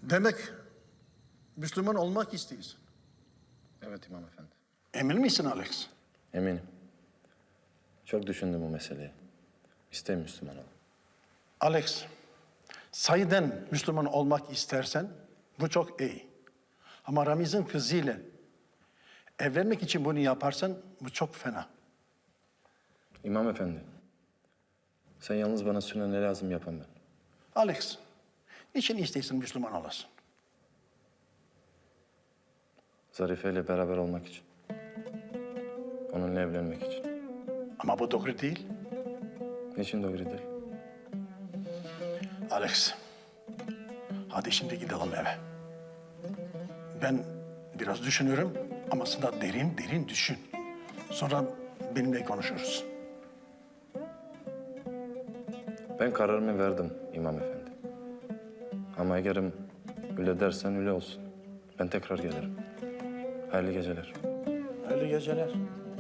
Demek Müslüman olmak istiyorsun. Evet İmam Efendi. Emin misin Alex? Eminim. Çok düşündüm bu meseleyi. İsteyim Müslüman olayım. Alex, sahiden Müslüman olmak istersen bu çok iyi. Ama Ramiz'in kızıyla evlenmek için bunu yaparsan bu çok fena. İmam Efendi. Sen yalnız bana söyle ne lazım yapan ben. Alex, niçin istiyorsun Müslüman olasın? Zarife ile beraber olmak için. Onunla evlenmek için. Ama bu doğru değil. Niçin doğru değil? Alex, hadi şimdi gidelim eve. Ben biraz düşünüyorum ama sen de derin derin düşün. Sonra benimle konuşuruz. Ben kararımı verdim İmam Efendi. Ama eğerim öyle dersen öyle olsun. Ben tekrar gelirim. Hayırlı geceler. Hayırlı geceler.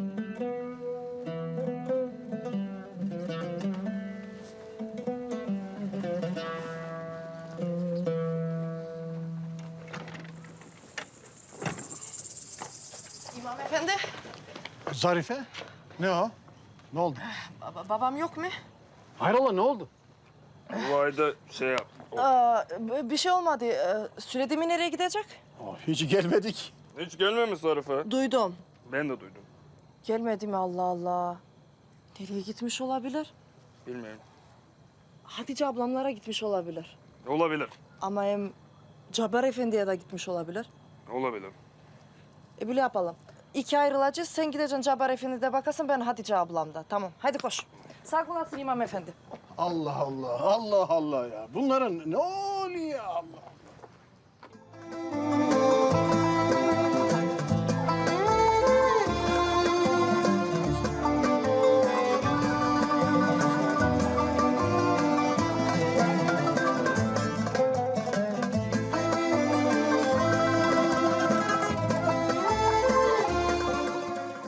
İmam Efendi, Zarife, ne o? Ne oldu? babam yok mu? Hayrola ne oldu? Bu ayda şey yap. Bir şey olmadı. Söyledi mi nereye gidecek? Hiç gelmedik. Hiç gelmemiş Zarife. Duydum. Ben de duydum. Gelmedi mi Allah Allah? Nereye gitmiş olabilir? Bilmiyorum. Hatice ablamlara gitmiş olabilir. Olabilir. Ama hem Cabbar Efendi'ye de gitmiş olabilir. Olabilir. Böyle yapalım. İki ayrılacağız. Sen gideceksin Cabbar Efendi'de bakasın, ben Hatice ablamda. Tamam, hadi koş. Sağ olasın İmam Efendi. Allah Allah, Allah Allah ya. Bunların ne oluyor Allah?